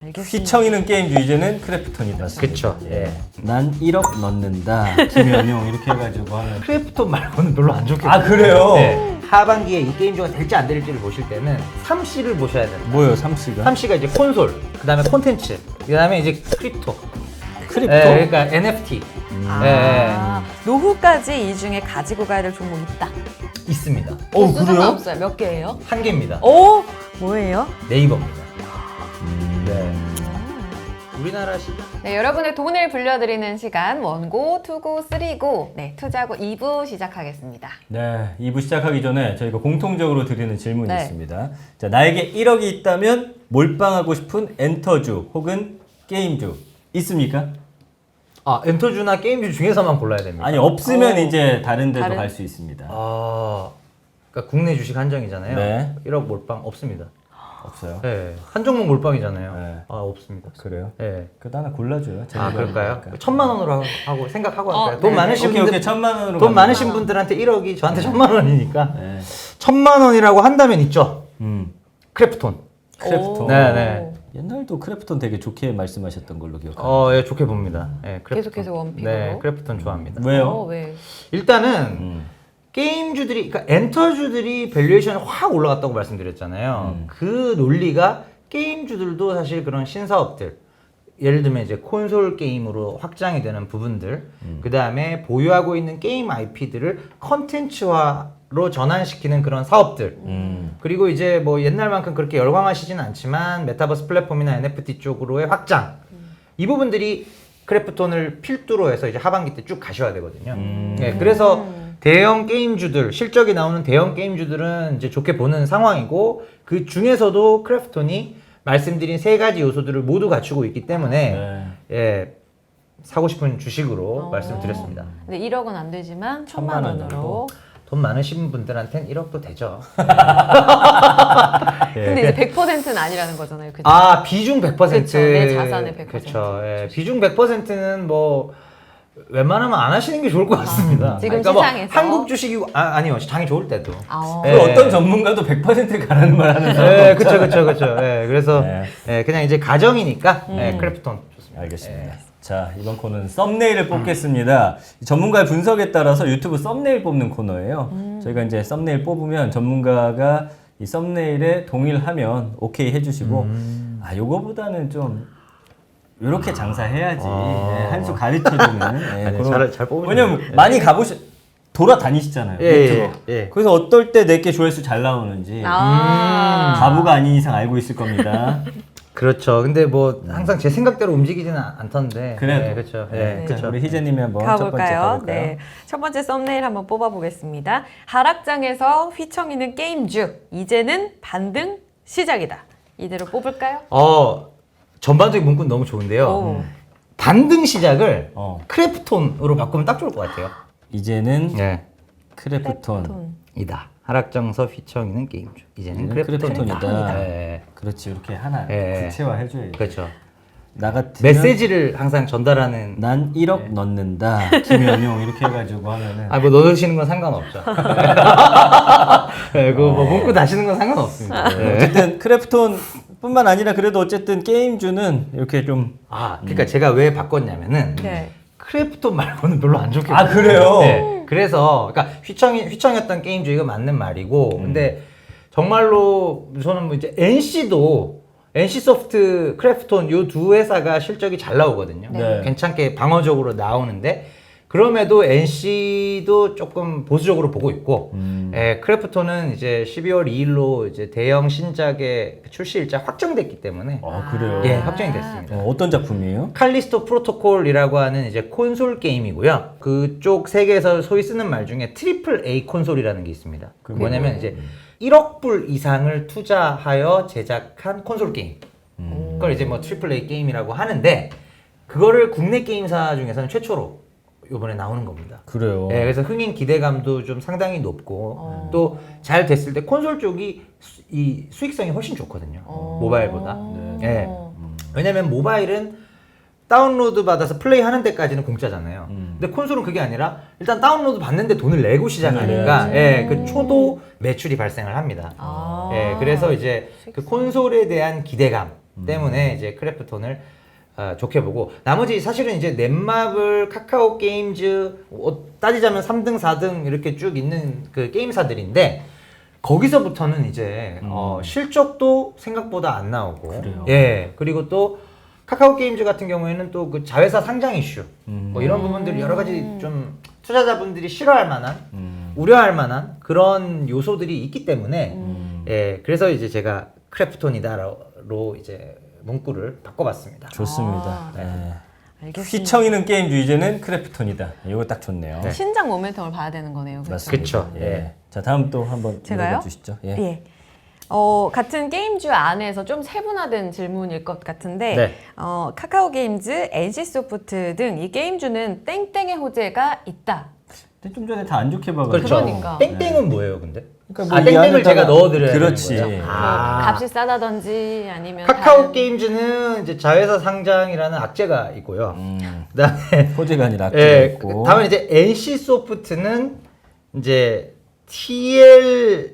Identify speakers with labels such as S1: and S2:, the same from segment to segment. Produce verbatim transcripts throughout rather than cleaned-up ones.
S1: 알겠습니다.
S2: 휘청이는 게임 주제는 크래프톤이다.
S3: 그쵸.
S2: 예. 난 일억 넣는다. 김현용 이렇게 해가지고 하면.
S3: 크래프톤 말고는 별로 안 좋겠고.
S2: 아 그래요?
S3: 네. 하반기에 이 게임즈가 될지 안 될지를 보실 때는 삼 씨를 보셔야 됩니다.
S2: 뭐요, 삼씨가?
S3: 삼 씨가 이제 콘솔, 그 다음에 콘텐츠, 그 다음에 이제 크립토.
S2: 크립토?
S3: 예, 그러니까 엔에프티.
S1: 아, 노후까지 이 중에 가지고 가야 될 종목이 있다.
S3: 있습니다.
S2: 어,
S1: 개수
S2: 그래요?
S1: 상관없어요. 몇 개예요?
S3: 한 개입니다.
S1: 오, 뭐예요?
S3: 네이버입니다.
S2: 음.
S3: 네. 우리나라 시장.
S1: 네, 여러분의 돈을 불려드리는 시간 원고, 투고, 쓰리고, 네, 투자고 이 부 시작하겠습니다.
S2: 네, 이 부 시작하기 전에 저희가 공통적으로 드리는 질문이
S1: 네.
S2: 있습니다. 자, 나에게 일억이 있다면 몰빵하고 싶은 엔터주 혹은 게임주 있습니까?
S3: 아, 엔터주나 게임주 중에서만 골라야 됩니다.
S2: 아니, 없으면
S1: 어.
S2: 이제 다른 데도
S1: 다른-
S2: 갈 수 있습니다.
S3: 아, 그러니까 국내 주식 한정이잖아요.
S2: 네.
S3: 일억 몰빵 없습니다.
S2: 없어요?
S3: 네. 한 종목 몰빵이잖아요.
S2: 네.
S3: 아, 없습니다.
S2: 그래요?
S3: 네.
S2: 그래도 하나 골라줘요.
S3: 아,
S2: 재미가
S3: 그럴까요?
S2: 있으니까.
S3: 천만 원으로 하고, 하고 생각하고
S1: 어,
S3: 할까요? 돈
S1: 네.
S3: 많으신
S2: 오케이,
S3: 분들
S2: 오케이. 천만 원으로
S3: 돈
S2: 갑니다.
S3: 많으신 분들한테 일억이 저한테 천만 원이니까
S2: 네.
S3: 천만 원이라고 한다면 있죠.
S2: 음,
S3: 크래프톤.
S2: 크래프톤.
S1: 오.
S3: 네, 네.
S2: 옛날도 크래프톤 되게 좋게 말씀하셨던 걸로 기억합니다.
S3: 어, 예, 좋게 봅니다. 예, 크래프톤.
S1: 계속해서 원픽으로?
S3: 네, 크래프톤 좋아합니다.
S2: 왜요?
S1: 어, 왜?
S3: 일단은
S2: 음.
S3: 게임주들이, 그러니까 엔터주들이 밸류에이션이 확 올라갔다고 말씀드렸잖아요.
S2: 음.
S3: 그 논리가 게임주들도 사실 그런 신사업들, 예를 들면 이제 콘솔 게임으로 확장이 되는 부분들, 그 다음에 보유하고 있는 게임 아이피들을 컨텐츠화로 전환시키는 그런 사업들,
S2: 음.
S3: 그리고 이제 뭐 옛날만큼 그렇게 열광하시진 않지만 메타버스 플랫폼이나 엔에프티 쪽으로의 확장, 이 부분들이 크래프톤을 필두로 해서 이제 하반기 때 쭉 가셔야 되거든요.
S2: 음.
S3: 네, 그래서 대형 게임주들, 실적이 나오는 대형 게임주들은 이제 좋게 보는 상황이고, 그 중에서도 크래프톤이 말씀드린 세 가지 요소들을 모두 갖추고 있기 때문에
S2: 네.
S3: 예, 사고 싶은 주식으로
S1: 어.
S3: 말씀드렸습니다.
S1: 근데 일억은 안 되지만 천만
S2: 천만
S1: 원으로.
S2: 원으로.
S3: 돈 많으신 분들한테는 일억도 되죠.
S2: 예.
S1: 근데 이제 백 퍼센트는 아니라는 거잖아요. 그죠?
S3: 아, 비중 백 퍼센트.
S1: 그쵸, 내 자산의 백 퍼센트.
S3: 그쵸. 예, 비중 백 퍼센트는 뭐 웬만하면 안 하시는 게 좋을 것 같습니다.
S1: 아, 지금
S3: 뭐
S1: 시장에서?
S3: 한국 주식이고 아, 아니요. 장이 좋을 때도.
S1: 아,
S3: 예.
S2: 그 어떤 전문가도 백 퍼센트 가라는 말 하는 사람
S3: 예, 그쵸, 그쵸, 그쵸. 예, 그래서
S2: 네.
S3: 예, 그냥 이제 가정이니까
S1: 음.
S3: 예, 크래프톤 좋습니다.
S2: 알겠습니다.
S3: 예.
S2: 자, 이번 코너는 썸네일을 뽑겠습니다. 전문가의 분석에 따라서 유튜브 썸네일 뽑는 코너예요.
S1: 음.
S2: 저희가 이제 썸네일 뽑으면 전문가가 이 썸네일에 동일하면 오케이 해주시고,
S3: 음.
S2: 아, 요거보다는 좀 이렇게 장사해야지.
S3: 아.
S2: 네, 한 수 가르쳐주는. 네,
S3: 아니,
S2: 그런-
S3: 잘- 잘 뽑으셨네요.
S2: 왜냐면
S3: 예.
S2: 많이 가보시, 돌아다니시잖아요.
S3: 예,
S2: 유튜브.
S3: 예, 예.
S2: 그래서 어떨 때 내게 조회수 잘 나오는지
S1: 아.
S2: 바보가 아닌 이상 알고 있을 겁니다.
S3: 그렇죠. 근데 뭐 항상 제 생각대로 움직이지는 않- 않던데.
S2: 그래도.
S3: 예, 그렇죠. 예,
S2: 네,
S3: 그렇죠.
S2: 우리 희재님이 한번 첫 번째
S1: 가볼까요?
S2: 가볼까요?
S1: 네. 첫 번째 썸네일 한번 뽑아보겠습니다. 하락장에서 휘청이는 게임주. 이제는 반등 시작이다. 이대로 뽑을까요?
S3: 어, 전반적인 문구는 너무 좋은데요.
S1: 오.
S3: 반등 시작을
S2: 어.
S3: 크래프톤으로 바꾸면 딱 좋을 것 같아요.
S2: 이제는
S3: 예.
S2: 크래프톤.
S1: 톤.
S3: 이다. 하락장서 휘청이는 게임주. 이제는
S2: 이제는
S3: 크래프톤이다.
S2: 크래프톤이다.
S3: 예.
S2: 그렇지, 이렇게 하나
S3: 예.
S2: 구체화해줘야지.
S3: 그렇죠.
S2: 나 같으면
S3: 메시지를 항상 전달하는.
S2: 난 일억 넣는다. 김현용 이렇게 해가지고 하면은
S3: 아, 뭐 넣으시는 건 상관없죠. 예, 그뭐 문구 다시는 건 상관없습니다. 예.
S2: 어쨌든 크래프톤뿐만 아니라 그래도 어쨌든 게임주는 이렇게 좀
S3: 아, 그러니까 제가 왜 바꿨냐면은
S1: 네.
S3: 크래프톤 말고는 별로 안 좋게.
S2: 아, 그래요?
S3: 네. 그래서 그러니까 휘청이 휘청이었던 게임주의가 맞는 말이고, 근데 정말로 저는 뭐 이제 엔씨도 엔씨소프트, 크래프톤 요 두 회사가 실적이 잘 나오거든요.
S2: 네.
S3: 괜찮게 방어적으로 나오는데 그럼에도 엔씨도 조금 보수적으로 보고 있고,
S2: 음.
S3: 예, 크래프톤은 이제 십이월 이일로 이제 대형 신작의 출시 일자 확정됐기 때문에
S2: 아, 그래요?
S3: 예, 확정이 됐습니다.
S2: 어, 어떤 작품이에요?
S3: 칼리스토 프로토콜이라고 하는 이제 콘솔 게임이고요. 그쪽 세계에서 소위 쓰는 말 중에 트리플 A 콘솔이라는 게 있습니다. 그
S2: 그게
S3: 뭐냐면
S2: 뭐예요?
S3: 이제 일억 불 이상을 투자하여 제작한 콘솔 게임.
S2: 음.
S3: 그걸 이제 뭐 트리플 A 게임이라고 하는데, 그거를 국내 게임사 중에서는 최초로 이번에 나오는 겁니다.
S2: 그래요.
S3: 예, 그래서 흥행 기대감도 좀 상당히 높고,
S1: 어.
S3: 또 잘 됐을 때 콘솔 쪽이 수, 이 수익성이 훨씬 좋거든요.
S1: 어.
S3: 모바일보다.
S2: 네.
S3: 예. 왜냐면 모바일은 다운로드 받아서 플레이 하는 데까지는 공짜잖아요.
S2: 음.
S3: 근데 콘솔은 그게 아니라 일단 다운로드 받는데 돈을 내고 시작하니까
S2: 네.
S3: 예, 그 초도 매출이 발생을 합니다.
S1: 아.
S3: 예, 그래서 이제 그 콘솔에 대한 기대감, 때문에 이제 크래프톤을 어, 좋게 보고 나머지 사실은 이제 넷마블, 카카오 게임즈 어, 따지자면 삼 등, 사 등 이렇게 쭉 있는 그 게임사들인데 거기서부터는 이제
S2: 음.
S3: 어, 실적도 생각보다 안 나오고
S2: 그래요?
S3: 예 그리고 또 카카오 게임즈 같은 경우에는 또 그 자회사 상장 이슈
S2: 음.
S3: 뭐 이런 부분들 여러 가지 좀 투자자분들이 싫어할 만한
S2: 음.
S3: 우려할 만한 그런 요소들이 있기 때문에
S2: 음.
S3: 예 그래서 이제 제가 크래프톤이다로 이제 문구를 바꿔봤습니다.
S2: 좋습니다.
S1: 아,
S2: 네.
S1: 알겠습니다.
S2: 휘청이는 게임주 이제는 크래프톤이다. 이거 딱 좋네요.
S3: 네.
S1: 신작 모멘텀을 봐야 되는 거네요. 그렇죠?
S2: 맞습니다.
S3: 그쵸.
S2: 예.
S3: 예.
S2: 자 다음 또 한번
S1: 제가요?
S2: 주시죠. 예.
S1: 예. 어, 같은 게임주 안에서 좀 세분화된 질문일 것 같은데
S3: 네.
S1: 어, 카카오 게임즈, 엔씨소프트 등 이 게임주는 땡땡의 호재가 있다.
S2: 근데 좀 전에 다 안 좋게 봐가지고.
S3: 그렇죠.
S1: 그러니까.
S3: 땡땡은 뭐예요, 근데?
S2: 그러니까
S3: 아
S2: 이
S3: 땡땡을
S2: 안에다가-
S3: 제가 넣어드려야
S2: 그렇지.
S3: 되는 거죠?
S1: 뭐
S3: 아.
S1: 값이 싸다든지 아니면
S3: 카카오
S1: 다른-
S3: 게임즈는 이제 자회사 상장이라는 악재가 있고요.
S2: 음,
S3: 그다음에
S2: 호재가 아니라 악재가
S3: 예,
S2: 있고.
S3: 다음에 이제 엔씨 소프트는 이제 티엘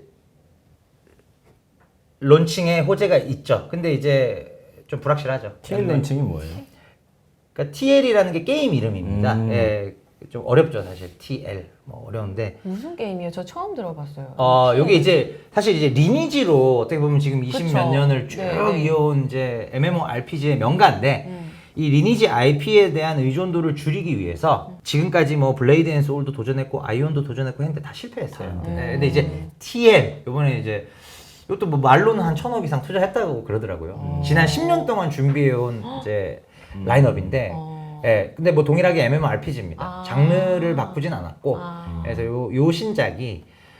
S3: 론칭에 호재가 있죠. 근데 이제 좀 불확실하죠.
S2: 티엘 런칭이 뭐예요?
S3: 그러니까 티엘이라는 게 게임 이름입니다.
S2: 음.
S3: 예, 좀 어렵죠, 사실. 티엘 뭐 어려운데.
S1: 무슨 게임이에요? 저 처음 들어봤어요.
S3: 어, 요게 이제 사실 이제 리니지로 어떻게 보면 지금 이십 몇
S1: 그쵸.
S3: 년을 쭉
S1: 네, 네.
S3: 이어온 이제 엠엠오알피지의 명가인데
S1: 음.
S3: 이 리니지 아이피에 대한 의존도를 줄이기 위해서 지금까지 뭐 블레이드 앤 소울도 도전했고 아이온도 도전했고 했는데 다 실패했어요.
S1: 음.
S3: 네, 근데 이제 티엘 요번에 이제 이것도 뭐 말로는 한 천억 이상 투자했다고 그러더라고요. 지난 십 년 동안 준비해온 이제 라인업인데
S1: 어.
S3: 예, 근데 뭐 동일하게 엠엠오알피지입니다.
S1: 아.
S3: 장르를 바꾸진 않았고
S1: 아.
S3: 그래서 요, 요 신작이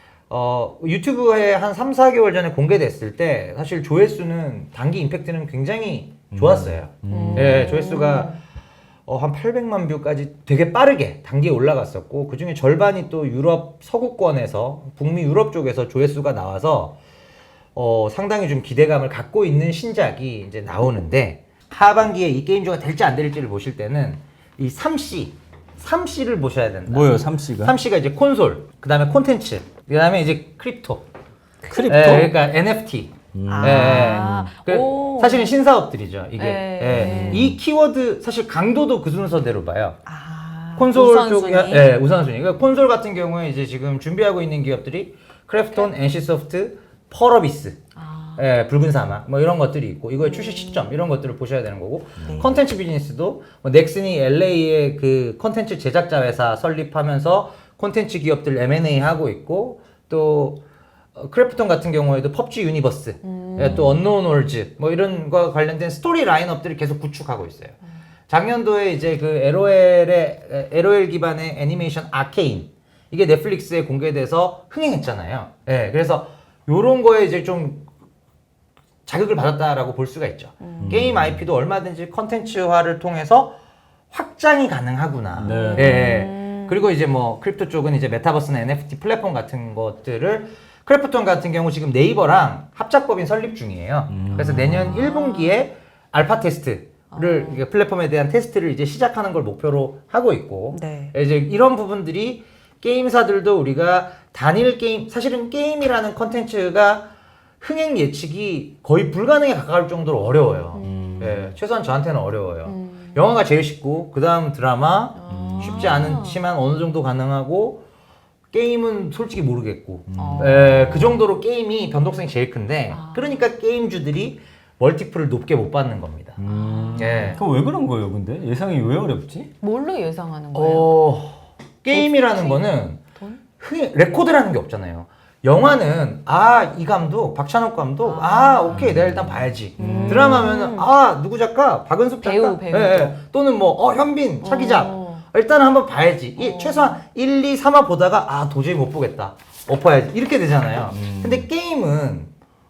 S3: 어, 유튜브에 한 삼, 사 개월 전에 공개됐을 때 사실 조회수는 단기 임팩트는 굉장히 좋았어요.
S1: 음.
S3: 예, 조회수가 어, 한 팔백만 뷰까지 되게 빠르게 단기에 올라갔었고 그 중에 절반이 또 유럽 서구권에서 북미 유럽 쪽에서 조회수가 나와서 어, 상당히 좀 기대감을 갖고 있는 신작이 이제 나오는데 하반기에 이 게임주가 될지 안 될지를 보실 때는 이 삼 씨, 삼 씨를 보셔야 된다.
S2: 뭐예요, 삼씨가?
S3: 삼 씨가 이제 콘솔, 그 다음에 콘텐츠, 그 다음에 이제 크립토.
S2: 크립토?
S3: 예, 그러니까 엔에프티.
S1: 아.
S3: 예, 예. 그
S1: 오.
S3: 사실은 신사업들이죠, 이게.
S1: 예.
S3: 예. 이 키워드, 사실 강도도 그 순서대로 봐요.
S1: 아,
S3: 콘솔
S1: 우선순위?
S3: 쪽이, 예, 우선순위. 그러니까 콘솔 같은 경우에 이제 지금 준비하고 있는 기업들이 크래프톤, 엔씨소프트, 펄어비스.
S1: 아.
S3: 예, 붉은 사막 뭐 이런 것들이 있고 이거의 출시 시점 이런 것들을 보셔야 되는 거고
S1: 네.
S3: 컨텐츠 비즈니스도 뭐 넥슨이 엘에이의 그 컨텐츠 제작자 회사 설립하면서 컨텐츠 기업들 엠 앤 에이 하고 있고 또 어, 크래프톤 같은 경우에도 펍지 유니버스
S1: 음.
S3: 예, 또 언노운 월즈 뭐 이런 거 관련된 스토리 라인업들을 계속 구축하고 있어요. 작년도에 이제 그 엘오엘의 엘오엘 기반의 애니메이션 아케인 이게 넷플릭스에 공개돼서 흥행했잖아요. 예, 그래서 요런 거에 이제 좀 자극을 받았다라고 볼 수가 있죠.
S1: 음.
S3: 게임 아이피도 얼마든지 컨텐츠화를 통해서 확장이 가능하구나.
S2: 네.
S3: 예.
S1: 음.
S3: 그리고 이제 뭐 크립토 쪽은 이제 메타버스나 엔에프티 플랫폼 같은 것들을 크래프톤 같은 경우 지금 네이버랑 합작법인 설립 중이에요.
S2: 음.
S3: 그래서 내년 일 분기에 알파 테스트를 이게 플랫폼에 대한 테스트를 이제 시작하는 걸 목표로 하고 있고
S1: 네.
S3: 이제 이런 부분들이 게임사들도 우리가 단일 게임 사실은 게임이라는 컨텐츠가 흥행 예측이 거의 불가능에 가까울 정도로 어려워요.
S2: 음.
S3: 예, 최소한 저한테는 어려워요.
S1: 음.
S3: 영화가 제일 쉽고 그 다음 드라마
S1: 아.
S3: 쉽지 않지만 어느 정도 가능하고 게임은 솔직히 모르겠고
S1: 어.
S3: 예, 그 정도로 게임이 변동성이 제일 큰데
S1: 아.
S3: 그러니까 게임주들이 멀티플을 높게 못 받는 겁니다.
S2: 음.
S3: 예.
S2: 그럼 왜 그런 거예요, 근데? 예상이 왜 어렵지?
S1: 뭘로 예상하는 거예요?
S3: 어, 게임이라는
S1: 돈?
S3: 거는
S1: 돈?
S3: 흥행, 레코드라는 게 없잖아요. 영화는 아 이 감독 박찬욱 감독 아,
S1: 아.
S3: 오케이 내가 일단 봐야지.
S1: 음.
S3: 드라마면은 아 누구 작가 박은숙 작가
S1: 배우, 배우.
S3: 예, 예. 또는 뭐 어 현빈 차기작
S1: 어.
S3: 일단 한번 봐야지. 이
S1: 어.
S3: 최소한 일, 이, 삼화 보다가 아 도저히 못 보겠다 엎어야지 이렇게 되잖아요.
S2: 음.
S3: 근데 게임은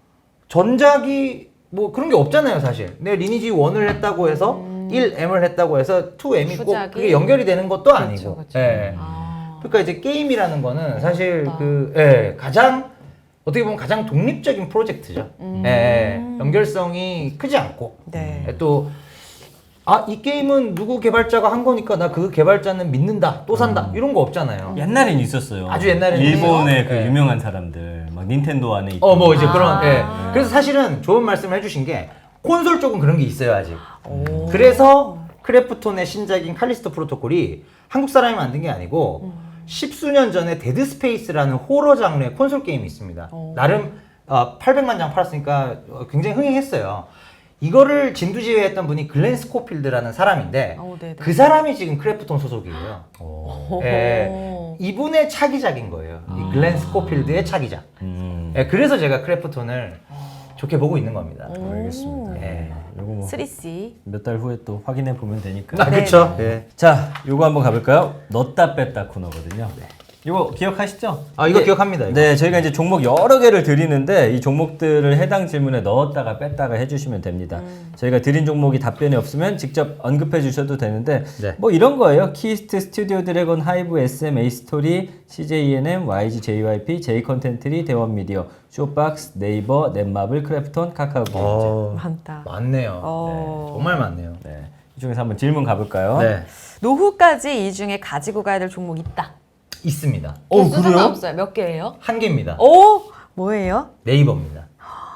S3: 전작이 뭐 그런 게 없잖아요 사실. 내가 리니지 일을 했다고 해서 일 엠을 했다고 해서 이 엠이 꼭
S1: 후작이?
S3: 그게 연결이 되는 것도
S1: 그쵸,
S3: 아니고.
S1: 그쵸.
S3: 예.
S1: 아.
S3: 그러니까 이제 게임이라는 거는 사실
S1: 어렵다.
S3: 그 예, 가장 어떻게 보면 가장 독립적인 프로젝트죠.
S1: 음.
S3: 예, 예. 연결성이 크지 않고
S1: 네.
S3: 예, 또 아, 이 게임은 누구 개발자가 한 거니까 나 그 개발자는 믿는다, 또 산다 이런 거 없잖아요.
S2: 옛날엔 있었어요.
S3: 아주 옛날에는
S2: 일본의
S3: 있어요.
S2: 그
S3: 네.
S2: 유명한 사람들, 막 닌텐도 안에 있던.
S3: 어, 뭐 이제
S1: 아.
S3: 그런. 예. 그래서 사실은 좋은 말씀을 해주신 게 콘솔 쪽은 그런 게 있어요 아직.
S1: 오.
S3: 그래서 크래프톤의 신작인 칼리스토 프로토콜이 한국 사람이 만든 게 아니고
S1: 음.
S3: 십수년 전에 데드 스페이스라는 호러 장르의 콘솔 게임이 있습니다.
S1: 오.
S3: 나름 어, 팔백만 장 팔았으니까 굉장히 흥행했어요. 이거를 진두지휘했던 분이 글렌 스코필드라는 사람인데
S1: 오, 네네.
S3: 그 사람이 지금 크래프톤 소속이에요.
S1: 오.
S3: 예, 이분의 차기작인 거예요. 이 글렌 스코필드의 차기작.
S2: 음.
S3: 예, 그래서 제가 크래프톤을 좋게 보고 있는 겁니다.
S1: 오.
S2: 알겠습니다.
S3: 예.
S2: 요거 뭐
S1: 쓰리 씨.
S2: 몇 달 후에 또 확인해 보면 되니까.
S3: 아,
S1: 네.
S3: 그쵸. 예.
S2: 자, 요거 한번 가볼까요? 넣었다 뺐다 코너거든요. 이거 기억하시죠?
S3: 아, 이거
S2: 네.
S3: 기억합니다. 이거.
S2: 네, 저희가 이제 종목 여러 개를 드리는데 이 종목들을 해당 질문에 넣었다가 뺐다가 해주시면 됩니다.
S1: 음.
S2: 저희가 드린 종목이 답변이 없으면 직접 언급해 주셔도 되는데
S3: 네.
S2: 뭐 이런 거예요. 키스트, 스튜디오 드래곤, 하이브, 에스엠, 에이스토리, 씨제이이엔엠, 와이지, 제이와이피, 제이컨텐트리, 대원미디어, 쇼박스, 네이버, 넷마블, 크래프톤, 카카오 게임즈.
S3: 어,
S1: 많다.
S3: 많네요.
S1: 어.
S3: 네, 정말 많네요.
S2: 네, 이 중에서 한번 질문 가볼까요?
S3: 네.
S1: 노후까지 이 중에 가지고 가야 될 종목 있다.
S3: 있습니다.
S2: 어,
S1: 개수
S2: 그래요?
S1: 상관없어요. 몇 개예요?
S3: 한 개입니다.
S1: 오, 뭐예요?
S3: 네이버입니다.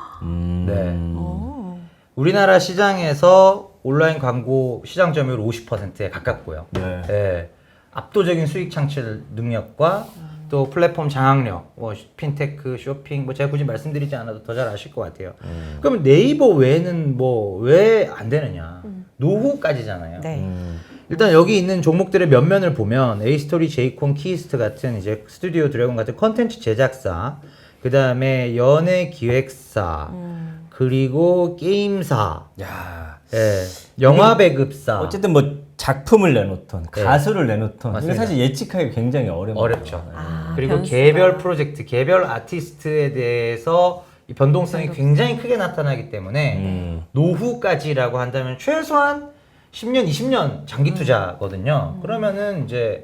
S2: 음.
S3: 네.
S1: 오.
S3: 우리나라 시장에서 온라인 광고 시장 점유율 오십 퍼센트에 가깝고요.
S2: 네.
S3: 네. 압도적인 수익 창출 능력과 또 플랫폼 장악력, 뭐 핀테크, 쇼핑, 뭐 제가 굳이 말씀드리지 않아도 더 잘 아실 것 같아요.
S2: 음.
S3: 그러면 네이버 외에는 뭐 왜 안 되느냐? 노후까지잖아요.
S1: 네.
S2: 음.
S3: 일단 여기 있는 종목들의 면면을 보면 에이스토리, 제이콘, 키스트 같은 이제 스튜디오 드래곤 같은 컨텐츠 제작사, 그 다음에 연예 기획사,
S1: 음.
S3: 그리고 게임사,
S2: 야.
S3: 예, 영화 배급사.
S2: 어쨌든 뭐 작품을 내놓던
S3: 네.
S2: 가수를 내놓던 이게
S3: 맞습니다.
S2: 사실 예측하기 굉장히 어려운
S3: 어렵죠.
S2: 거죠.
S1: 아,
S3: 그리고
S1: 변수가.
S3: 개별 프로젝트, 개별 아티스트에 대해서 이 변동성이
S1: 변동성.
S3: 굉장히 크게 나타나기 때문에
S2: 음.
S3: 노후까지라고 한다면 최소한 십 년, 이십 년 장기 투자거든요. 그러면은 이제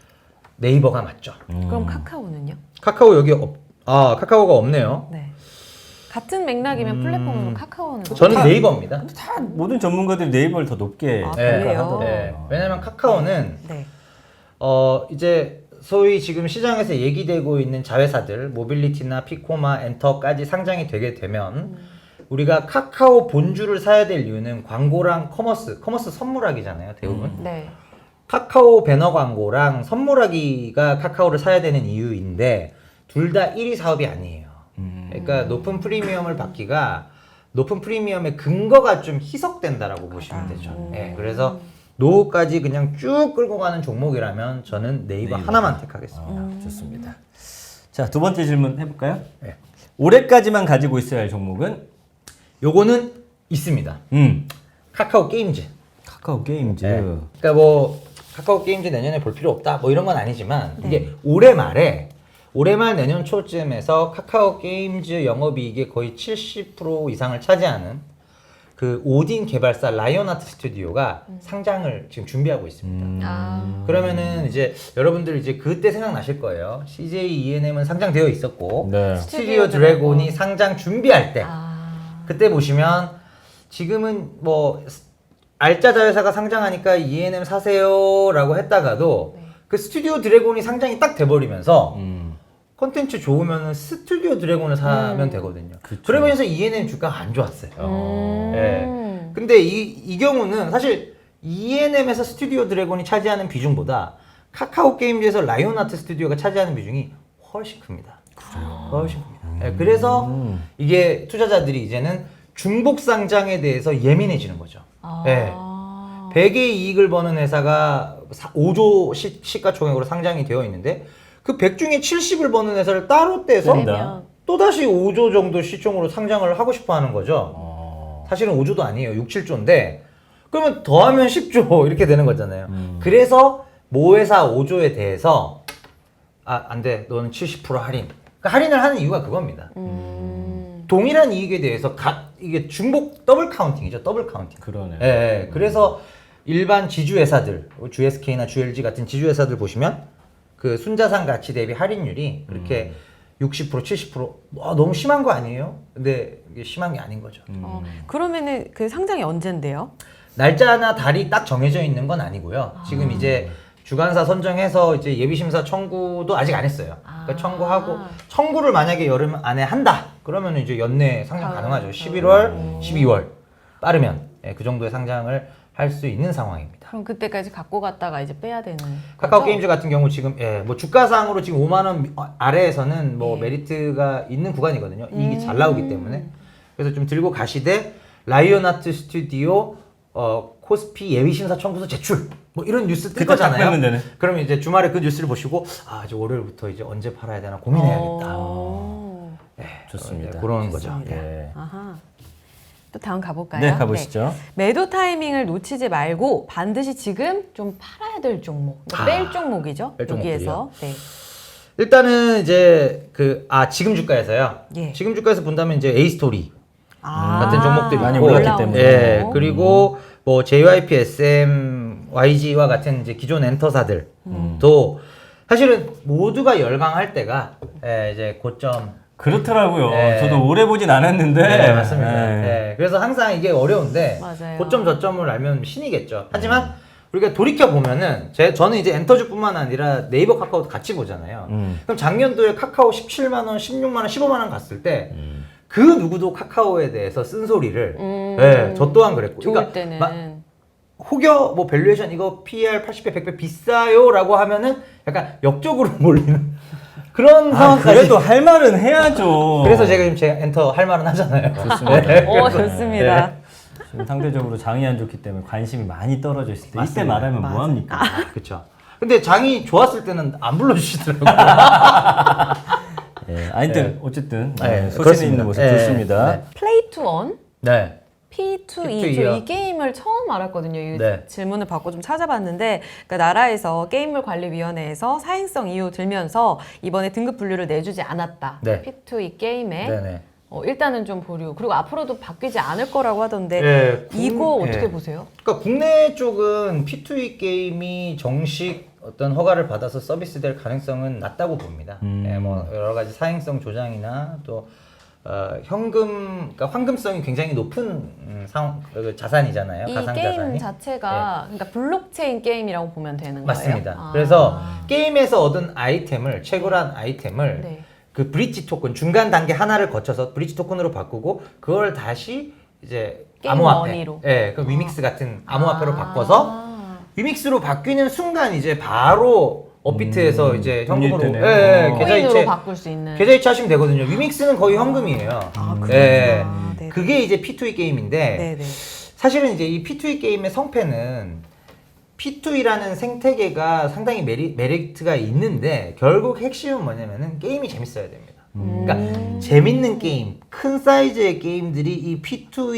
S3: 네이버가 맞죠.
S2: 음.
S1: 그럼 카카오는요?
S3: 카카오 여기 없, 아, 카카오가 없네요.
S1: 네. 같은 맥락이면 플랫폼으로 카카오는
S3: 저는
S2: 카-
S3: 네이버입니다.
S2: 다 모든 전문가들이 네이버를 더 높게
S1: 아,
S3: 네.
S1: 그래요?
S3: 네. 왜냐면 카카오는
S1: 네.
S3: 어 이제 소위 지금 시장에서 얘기되고 있는 자회사들 모빌리티나 피코마, 엔터까지 상장이 되게 되면 우리가 카카오 본주를 사야 될 이유는 광고랑 커머스, 커머스 선물하기잖아요, 대부분.
S1: 네.
S3: 카카오 배너 광고랑 선물하기가 카카오를 사야 되는 이유인데 둘 다 일 위 사업이 아니에요. 그러니까 높은 프리미엄을 받기가 높은 프리미엄의 근거가 좀 희석된다라고 보시면 되죠. 네, 그래서 노후까지 그냥 쭉 끌고 가는 종목이라면 저는 네이버,
S2: 네이버.
S3: 하나만 택하겠습니다.
S2: 아, 좋습니다. 자, 두 번째 질문 해볼까요?
S3: 네.
S2: 올해까지만 가지고 있어야 할 종목은
S3: 요거는 있습니다.
S2: 음
S3: 카카오 게임즈.
S2: 카카오 게임즈.
S3: 네. 그러니까 뭐 카카오 게임즈 내년에 볼 필요 없다 뭐 이런 건 아니지만 이게 올해 말에 올해 말 내년 초쯤에서 카카오 게임즈 영업이익의 거의 칠십 퍼센트 이상을 차지하는 그 오딘 개발사 라이온하트 스튜디오가 상장을 지금 준비하고 있습니다.
S2: 음.
S1: 아.
S3: 그러면은 이제 여러분들 이제 그때 생각나실 거예요. 씨제이이엔엠은 상장되어 있었고
S2: 네.
S3: 스튜디오 드래곤이 상장 준비할 때
S1: 아.
S3: 그때 보시면 지금은 뭐 알짜 자회사가 상장하니까 이엔엠 사세요라고 했다가도
S1: 네.
S3: 그 스튜디오 드래곤이 상장이 딱 돼버리면서
S2: 음.
S3: 콘텐츠 좋으면 스튜디오 드래곤을 사면
S1: 음.
S3: 되거든요.
S2: 그쵸.
S3: 그러면서 이엔엠 주가가 안 좋았어요.
S1: 음.
S3: 예. 근데 이, 이 경우는 사실 이엔엠에서 스튜디오 드래곤이 차지하는 비중보다 카카오 게임즈에서 라이온하트 스튜디오가 차지하는 비중이 훨씬 큽니다. 훨씬 큽니다. 예, 그래서
S2: 음.
S3: 이게 투자자들이 이제는 중복 상장에 대해서 예민해지는 거죠.
S1: 아.
S3: 예. 백의 이익을 버는 회사가 오조 시, 시가총액으로 상장이 되어 있는데 그 백 중에 칠십을 버는 회사를 따로 떼서
S2: 그러니까.
S3: 또다시 오조 정도 시총으로 상장을 하고 싶어 하는 거죠.
S2: 어.
S3: 사실은 오조도 아니에요. 육, 칠조인데 그러면 더하면 십조 이렇게 되는 거잖아요.
S2: 음.
S3: 그래서 모 회사 오조에 대해서 아, 안 돼. 너는 칠십 퍼센트 할인. 그러니까 할인을 하는 이유가 그겁니다.
S1: 음.
S3: 동일한 이익에 대해서 각 이게 중복 더블 카운팅이죠. 더블 카운팅.
S2: 그러네.
S3: 예, 예. 그래서 일반 지주회사들, 지에스케이나 지엘지 같은 지주회사들 보시면 그 순자산 가치 대비 할인율이 그렇게 육십 퍼센트, 칠십 퍼센트 와, 너무 심한 거 아니에요? 근데 이게 심한 게 아닌 거죠.
S1: 어, 그러면은 그 상장이 언젠데요?
S3: 날짜나 달이 딱 정해져 있는 건 아니고요. 지금 이제 주관사 선정해서 이제 예비심사 청구도 아직 안 했어요. 그러니까
S1: 아.
S3: 청구하고 청구를 만약에 여름 안에 한다. 그러면 이제 연내 상장
S1: 아.
S3: 가능하죠. 십일월,
S1: 음.
S3: 십이월. 빠르면 예, 그 정도의 상장을 할 수 있는 상황입니다.
S1: 그럼 그때까지 갖고 갔다가 이제 빼야 되는
S3: 카카오
S1: 거죠?
S3: 게임즈 같은 경우 지금 예, 뭐 주가상으로 지금 오만 원 아래에서는 뭐
S1: 네.
S3: 메리트가 있는 구간이거든요. 이익이
S1: 음.
S3: 잘 나오기 때문에. 그래서 좀 들고 가시되 라이온하트 스튜디오 어, 코스피 예비 심사 청구서 제출 뭐 이런 뉴스 뜰
S2: 그때 딱
S3: 거잖아요.
S2: 빼면 되네.
S3: 그러면 이제 주말에 그 뉴스를 보시고 아, 이제 월요일부터 이제 언제 팔아야 되나 고민해야겠다.
S1: 오.
S3: 예,
S2: 좋습니다.
S3: 예, 그런 거죠.
S1: 좋습니다.
S3: 예.
S2: 예.
S1: 아하. 또 다음 가볼까요?
S2: 네, 가보시죠.
S1: 네. 매도 타이밍을 놓치지 말고 반드시 지금 좀 팔아야 될 종목, 그러니까
S3: 아,
S1: 뺄 종목이죠.
S3: 뺄
S1: 여기에서. 네.
S3: 일단은 이제 그 아 지금 주가에서요.
S1: 예.
S3: 지금 주가에서 본다면 이제 에이스토리
S1: 아,
S3: 같은 종목들이
S2: 많이
S3: 있고,
S2: 올랐기 때문에.
S3: 예,
S1: 종목.
S3: 그리고 뭐 제이와이피, 에스엠, 와이지와 같은 이제 기존 엔터사들도
S1: 음.
S3: 사실은 모두가 열광할 때가 예, 이제 고점.
S2: 그렇더라고요.
S3: 네.
S2: 저도 오래 보진 않았는데.
S3: 네, 맞습니다.
S2: 예.
S3: 예, 그래서 항상 이게 어려운데
S1: 맞아요.
S3: 고점 저점을 알면 신이겠죠. 하지만 우리가 돌이켜 보면은 제 저는 이제 엔터주뿐만 아니라 네이버, 카카오도 같이 보잖아요.
S2: 음.
S3: 그럼 작년도에 카카오 십칠만 원, 십육만 원, 십오만 원 갔을 때 그
S2: 음.
S3: 누구도 카카오에 대해서 쓴소리를
S1: 음.
S3: 예, 저 또한 그랬고.
S1: 좋을
S3: 그러니까
S1: 때는
S3: 마- 혹여 뭐 밸류에이션 이거 피이알 팔십 배, 백 배 비싸요라고 하면은 약간 역적으로 몰리는 그런
S2: 아,
S3: 상황까지.
S2: 그래도 할 말은 해야죠.
S3: 그래서 제가 지금 제가 엔터 할 말은 하잖아요.
S2: 좋습니다.
S1: 오, 좋습니다.
S3: 네.
S2: 지금 상대적으로 장이 안 좋기 때문에 관심이 많이 떨어져 있을 때 이때
S3: 맞습니다.
S2: 말하면
S1: 맞아.
S2: 뭐합니까?
S3: 그렇죠. 근데 장이 좋았을 때는 안 불러주시더라고요.
S2: 예, 아무튼
S3: 네.
S2: 어쨌든
S3: 네,
S2: 네, 소신
S3: 그렇습니다.
S2: 있는 모습
S3: 네,
S2: 좋습니다.
S3: 네.
S1: 플레이 투 원,
S3: 네.
S1: 피 투
S3: 피 투
S1: 이.
S3: 이요.
S1: 저 이 게임을 처음 알았거든요. 이
S3: 네.
S1: 질문을 받고 좀 찾아봤는데, 그러니까 나라에서 게임물관리위원회에서 사행성 이유 들면서 이번에 등급 분류를 내주지 않았다.
S3: 네.
S1: 피 투 이 게임에
S3: 네네.
S1: 어, 일단은 좀 보류. 그리고 앞으로도 바뀌지 않을 거라고 하던데
S3: 예, 국-
S1: 이거
S3: 예.
S1: 어떻게 보세요?
S3: 그러니까 국내 쪽은 피 투 이 게임이 정식 어떤 허가를 받아서 서비스될 가능성은 낮다고 봅니다.
S2: 음.
S3: 예, 뭐 여러 가지 사행성 조장이나 또 어, 현금, 그러니까 황금성이 굉장히 높은 음, 상, 그 자산이잖아요.
S1: 이
S3: 가상
S1: 게임
S3: 자산이.
S1: 자체가 그러니까 블록체인 게임이라고 보면 되는 거예요.
S3: 맞습니다.
S1: 아.
S3: 그래서 게임에서 얻은 아이템을 채굴한 아이템을
S1: 네.
S3: 그 브릿지 토큰 중간 단계 하나를 거쳐서 브릿지 토큰으로 바꾸고 그걸 다시 이제
S1: 게임
S3: 암호화폐,
S1: 머니로.
S3: 예, 그 위믹스 같은 암호화폐로
S1: 아.
S3: 바꿔서 위믹스로 바뀌는 순간 이제 바로 업비트에서
S2: 음,
S3: 이제
S2: 돈이
S3: 현금으로
S2: 되네요.
S3: 예, 예,
S2: 어.
S3: 계좌
S1: 코인으로
S3: 이체
S1: 바꿀 수 있는.
S3: 계좌 이체하시면 되거든요. 위믹스는 거의 현금이에요.
S1: 아, 그렇구나.
S3: 예,
S1: 네.
S3: 그게 이제 피 투 이 게임인데
S1: 네네.
S3: 사실은 이제 이 피 투 이 게임의 성패는 피 투 이라는 생태계가 상당히 메리, 메리트가 있는데 결국 핵심은 뭐냐면은 게임이 재밌어야 됩니다. 그러니까
S1: 음.
S3: 재밌는 게임, 큰 사이즈의 게임들이 이 피 투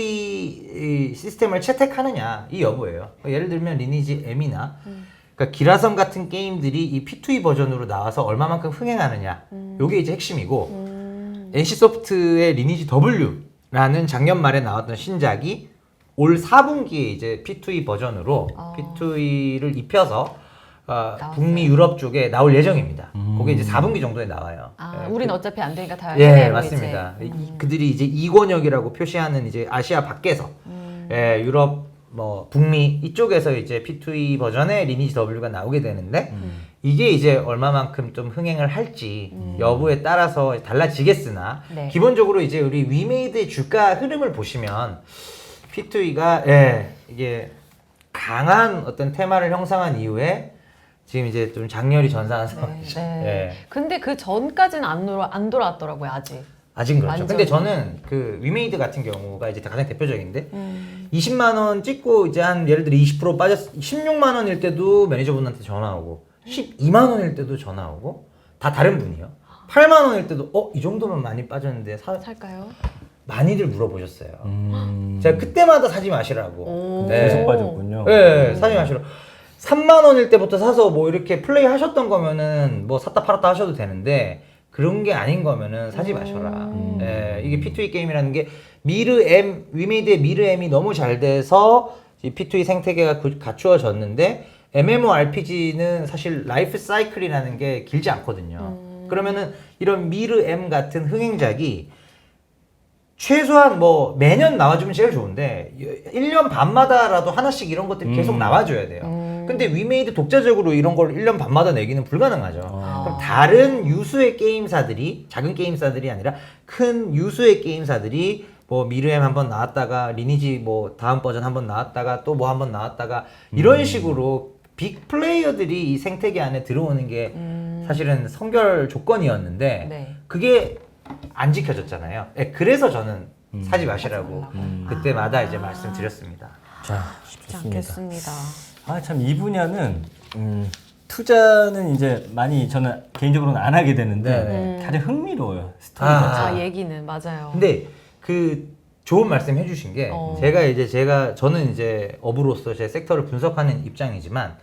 S3: 이 시스템을 채택하느냐 이 여부예요. 예를 들면 리니지 M이나
S1: 음.
S3: 그러니까 기라성 같은 게임들이 이 피 투 이 버전으로 나와서 얼마만큼 흥행하느냐
S1: 음.
S3: 요게 이제 핵심이고
S1: 음.
S3: 엔씨소프트의 리니지 W라는 작년 말에 나왔던 신작이 올 사 분기에 이제 피 투 이 버전으로
S1: 어.
S3: 피 투 이를 입혀서 어,
S1: 나왔어요.
S3: 북미 유럽 쪽에 나올 예정입니다.
S2: 음.
S3: 그게 이제 사 분기 정도에 나와요.
S1: 아,
S3: 예,
S1: 우린
S3: 그-
S1: 어차피 안 되니까 다
S3: 예,
S1: 해외로
S3: 맞습니다.
S1: 이제.
S3: 이- 그들이 이제 이권역이라고 표시하는 이제 아시아 밖에서
S1: 음.
S3: 예, 유럽 뭐 북미 이쪽에서 이제 피 투 이 버전의 리니지 W가 나오게 되는데
S2: 음.
S3: 이게 이제 얼마만큼 좀 흥행을 할지 여부에 따라서 달라지겠으나
S1: 네.
S3: 기본적으로 이제 우리 위메이드의 주가 흐름을 보시면 피 투 이가 예, 이게 강한 어떤 테마를 형성한 이후에 지금 이제 좀 장렬히 전사한
S1: 네,
S3: 상황이죠.
S1: 네.
S3: 예.
S1: 근데 그 전까지는 안, 돌아, 안 돌아왔더라고요, 아직.
S3: 아직 그렇죠.
S1: 완전.
S3: 근데 저는 그 위메이드 같은 경우가 이제 가장 대표적인데
S1: 음.
S3: 이십만 원 찍고 이제 한 예를 들어 이십 퍼센트 빠졌 십육만 원일 때도 매니저분한테 전화 오고 십이만 원일 때도 전화 오고 다 다른 분이요. 팔만 원일 때도 어 이 정도면 많이 빠졌는데 사,
S1: 살까요?
S3: 많이들 물어보셨어요.
S2: 음.
S3: 제가 그때마다 사지 마시라고.
S1: 오.
S3: 네.
S2: 계속 빠졌군요.
S3: 네, 사지 마시라고. 삼만 원일 때부터 사서 뭐 이렇게 플레이 하셨던 거면은 뭐 샀다 팔았다 하셔도 되는데 그런 게 아닌 거면은 사지 마셔라.
S1: 음.
S3: 예, 이게 피 투 이 게임이라는 게 미르 M, 위메이드의 미르 M이 너무 잘 돼서 이 피 투 이 생태계가 구- 갖추어졌는데 엠엠오알피지는 사실 라이프 사이클이라는 게 길지 않거든요.
S1: 음.
S3: 그러면은 이런 미르 M 같은 흥행작이 최소한 뭐 매년 나와주면 제일 좋은데 일 년 반마다라도 하나씩 이런 것들이 계속
S2: 음.
S3: 나와줘야 돼요.
S1: 음.
S3: 근데 위메이드 독자적으로 이런 걸 일 년 반마다 내기는 불가능하죠.
S2: 아.
S3: 그럼 다른 유수의 게임사들이 작은 게임사들이 아니라 큰 유수의 게임사들이 뭐 미르엠 한번 나왔다가 리니지 뭐 다음 버전 한번 나왔다가 또 뭐 한번 나왔다가 이런
S2: 음.
S3: 식으로 빅 플레이어들이 이 생태계 안에 들어오는 게
S1: 음.
S3: 사실은 선결 조건이었는데
S1: 네.
S3: 그게 안 지켜졌잖아요. 예, 그래서 저는
S2: 음.
S3: 사지 마시라고
S2: 음.
S3: 그때마다
S1: 아.
S3: 이제 말씀드렸습니다.
S2: 자,
S1: 쉽지
S2: 좋습니다.
S1: 않겠습니다.
S2: 아, 참 이 분야는 음, 투자는 이제 많이 저는 개인적으로는 안 하게 되는데
S1: 음.
S2: 다들 흥미로워요. 스토리
S3: 아.
S2: 자체가.
S1: 아, 얘기는 맞아요.
S3: 근데 그 좋은 말씀 해주신 게
S1: 어.
S3: 제가 이제 제가 저는 이제 업으로서 제 섹터를 분석하는 입장이지만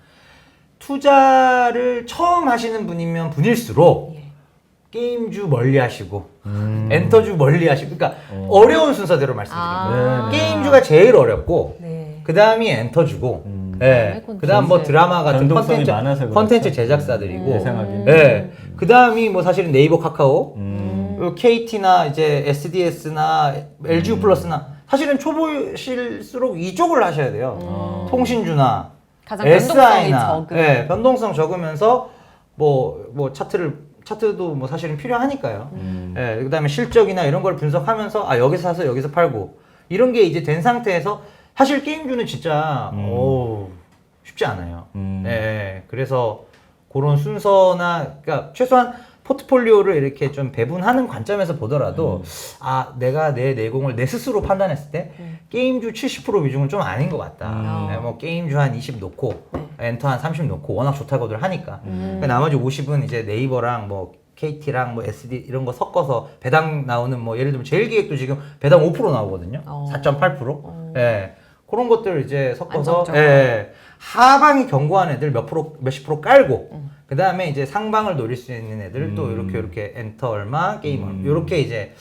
S3: 투자를 처음 하시는 분이면 분일수록
S1: 예.
S3: 게임주 멀리 하시고
S2: 음.
S3: 엔터주 멀리 하시고 그러니까
S2: 어.
S3: 어. 려운 순서대로 말씀드립니다.
S1: 아.
S2: 네, 네.
S3: 게임주가 제일 어렵고
S1: 네.
S3: 그 다음이 엔터주고
S2: 음.
S3: 예.
S1: 콘텐츠.
S3: 그 다음 뭐 드라마 같은
S2: 변동성이
S3: 컨텐츠
S2: 많아서 그렇죠.
S3: 컨텐츠 제작사들이고
S1: 음.
S2: 예상하기는.
S3: 예. 그 다음이 뭐 사실은 네이버 카카오
S2: 음.
S3: 케이티나 이제 에스디에스나 엘지유 플러스나 사실은 초보실수록 이쪽을 하셔야 돼요.
S1: 음.
S3: 통신주나
S1: 가장 변동성이
S3: 에스아이나
S1: 적은.
S3: 예, 변동성 적으면서 뭐 뭐 차트를 차트도 뭐 사실은 필요하니까요.
S2: 음.
S3: 예, 그다음에 실적이나 이런 걸 분석하면서 아 여기서 사서 여기서 팔고 이런 게 이제 된 상태에서 사실 게임주는 진짜
S2: 음.
S3: 어우, 쉽지 않아요.
S2: 음.
S3: 예, 그래서 그런 순서나 그러니까 최소한 포트폴리오를 이렇게 좀 배분하는 관점에서 보더라도
S2: 음.
S3: 아 내가 내 내공을 내 스스로 판단했을 때
S1: 음.
S3: 게임주 칠십 퍼센트 비중은 좀 아닌 것 같다.
S2: 음.
S3: 네, 뭐 게임주 한 이십 놓고
S1: 네.
S3: 엔터 한 삼십 놓고 워낙 좋다고들 하니까
S1: 음.
S3: 그 나머지 오십은 이제 네이버랑 뭐 케이티랑 뭐 에스디 이런 거 섞어서 배당 나오는 뭐 예를 들면 제일기획도 지금 배당 오 퍼센트 나오거든요.
S1: 어.
S3: 사 점 팔 퍼센트.
S1: 어.
S3: 예. 그런 것들 이제 섞어서
S1: 안정적으로.
S3: 예. 하방이 견고한 애들 몇 프로 몇십 프로 깔고
S1: 음.
S3: 그 다음에 이제 상방을 노릴 수 있는 애들 또
S2: 음.
S3: 이렇게 이렇게 엔터 얼마 게임 얼마
S2: 음.
S3: 이렇게 이제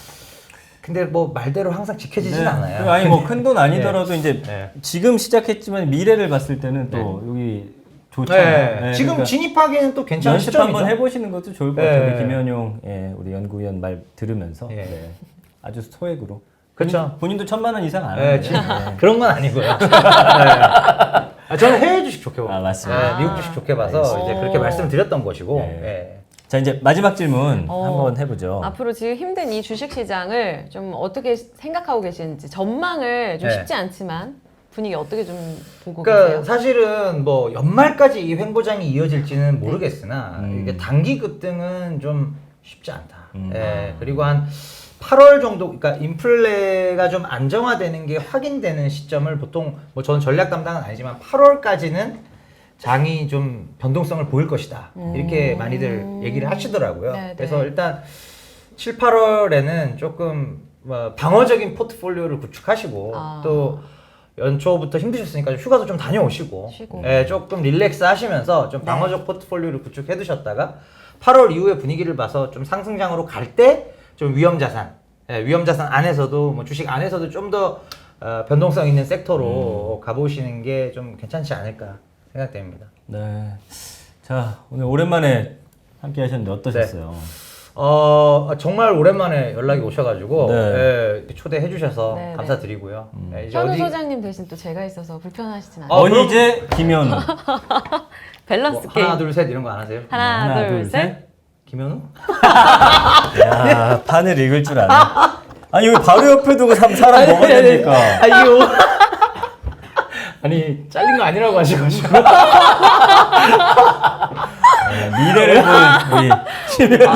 S3: 근데 뭐 말대로 항상 지켜지진
S2: 네.
S3: 않아요.
S2: 아니 뭐 큰 돈 아니더라도 이제
S3: 네.
S2: 지금 시작했지만 미래를 봤을 때는 또 여기 좋잖아요.
S3: 네.
S2: 네,
S3: 지금
S2: 그러니까
S3: 진입하기에는 또 괜찮은
S2: 연습
S3: 시점이죠.
S2: 한번 해보시는 것도 좋을 것
S3: 네.
S2: 같아요. 우리 김현용 예, 우리 연구위원 말 들으면서
S3: 예.
S2: 네. 아주 소액으로.
S3: 그쵸.
S2: 본인, 본인도 천만 원 이상 안
S3: 네,
S2: 하는데.
S3: 지금
S2: 네.
S3: 그런 건 아니고요. 네. 아, 저는 해외 주식 좋게 봐요.
S2: 아, 맞습니다.
S3: 네, 미국 주식 좋게 봐서
S1: 알겠습니다.
S3: 이제 그렇게 말씀드렸던 것이고.
S2: 네.
S3: 네.
S2: 자 이제 마지막 질문
S1: 어.
S2: 한번 해보죠.
S1: 앞으로 지금 힘든 이 주식 시장을 좀 어떻게 생각하고 계시는지 전망을 좀
S3: 네.
S1: 쉽지 않지만 분위기 어떻게 좀 보고
S3: 그러니까
S1: 계세요?
S3: 사실은 뭐 연말까지 이 횡보장이 이어질지는 모르겠으나
S2: 음.
S3: 이게 단기 급등은 좀 쉽지 않다.
S2: 음.
S3: 예, 그리고 한 팔월 정도, 그러니까 인플레가 좀 안정화되는 게 확인되는 시점을 보통 뭐 저는 전략 담당은 아니지만 팔월까지는 장이 좀 변동성을 보일 것이다. 이렇게
S1: 음.
S3: 많이들 얘기를 하시더라고요.
S1: 네,
S3: 그래서
S1: 네.
S3: 일단 칠, 팔월에는 조금 뭐 방어적인 포트폴리오를 구축하시고
S1: 아.
S3: 또 연초부터 힘드셨으니까 좀 휴가도 좀 다녀오시고
S1: 쉬고.
S3: 예, 조금 릴렉스 하시면서 좀
S1: 네.
S3: 방어적 포트폴리오를 구축해 두셨다가 팔월 이후에 분위기를 봐서 좀 상승장으로 갈 때 좀 위험 자산, 예, 위험 자산 안에서도 뭐 주식 안에서도 좀 더 어, 변동성 있는 섹터로 가보시는 게 좀 괜찮지 않을까 생각됩니다.
S2: 네. 자 오늘 오랜만에 함께 하셨는데 어떠셨어요?
S3: 어 정말 오랜만에 연락이 오셔가지고
S2: 네.
S3: 예, 초대해 주셔서
S1: 네,
S3: 감사드리고요. 예, 이제
S1: 현우
S3: 어디-
S1: 소장님 대신 또 제가 있어서 불편하시진 않아요.
S3: 어, 그럼-
S2: 원희재, 김현우.
S1: 밸런스
S3: 뭐
S1: 게임.
S3: 하나 둘 셋 이런 거 안 하세요?
S1: 하나,
S2: 하나,
S1: 둘,
S2: 둘,
S1: 셋.
S3: 김현우?
S2: 야 판을 읽을 줄 아네. 아니 여기 바로 옆에 두고 삼 사람 뭐가 됩니까?
S3: 아 이거 아니 잘린 거 아니라고 하셔가지고
S2: 네, 미래를 보는 우리.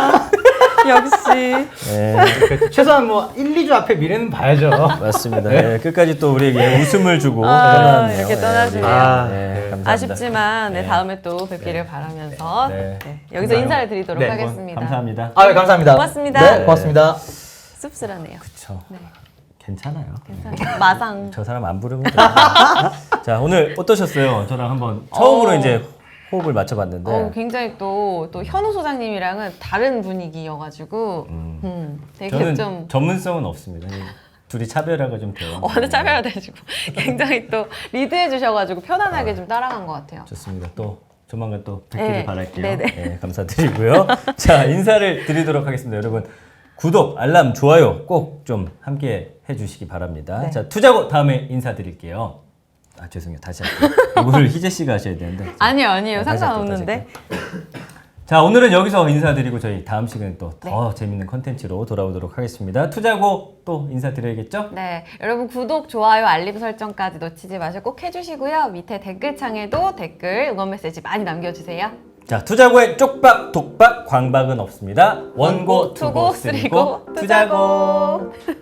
S1: 역시.
S2: 네,
S3: 최소한 뭐 일, 이 주 앞에 미래는 봐야죠.
S2: 맞습니다. 네, 끝까지 또 우리에게 웃음을 주고
S1: 아,
S2: 떠나네요.
S1: 이렇게 떠나시네요.
S3: 아,
S2: 네,
S3: 네.
S2: 감사합니다.
S1: 아쉽지만 네,
S2: 네.
S1: 다음에 또 뵙기를 바라면서
S2: 네.
S1: 네, 여기서 인사를 드리도록
S3: 네,
S1: 하겠습니다.
S2: 감사합니다.
S3: 아, 네, 감사합니다.
S1: 고맙습니다.
S3: 네, 고맙습니다.
S1: 씁쓸하네요.
S2: 그쵸.
S1: 네,
S2: 괜찮아요.
S1: 괜찮아요. 마상.
S2: 저 사람 안 부르면 돼요. 자 오늘 어떠셨어요? 저랑 한번 처음으로
S1: 어.
S2: 이제 호흡을 맞춰봤는데
S1: 어, 굉장히 또, 또 현우 소장님이랑은 다른 분위기여가지고 음,
S2: 음.
S1: 되게
S2: 저는
S1: 좀
S2: 전문성은 없습니다. 둘이 차별화가 좀 돼요.
S1: 어느 차별화되시고 굉장히 또 리드해 주셔가지고 편안하게 좀 따라간 것 같아요.
S2: 좋습니다. 또 조만간 또 뵙기를
S1: 네.
S2: 바랄게요.
S1: 네네.
S2: 네, 감사드리고요. 자 인사를 드리도록 하겠습니다. 여러분 구독, 알람, 좋아요 꼭 좀 함께 해주시기 바랍니다.
S1: 네.
S2: 자 투자고 다음에 인사드릴게요. 아 죄송해요. 다시 할게요. 이거를 희재 씨가 하셔야 되는데.
S1: 아니요, 아니에요.
S2: 네, 다시 할게요,
S1: 상관없는데.
S2: 다시 할게요. 자, 오늘은 여기서 인사드리고 저희 다음 시간에 또 더 재밌는 컨텐츠로 돌아오도록 하겠습니다. 투자고 또 인사드려야겠죠?
S1: 네, 여러분 구독, 좋아요, 알림 설정까지 놓치지 마시고 꼭 해주시고요. 밑에 댓글창에도 댓글, 응원 메시지 많이 남겨주세요.
S2: 자, 투자고의 쪽박, 독박, 광박은 없습니다. 원고, 투고, 쓰리고, 투자고.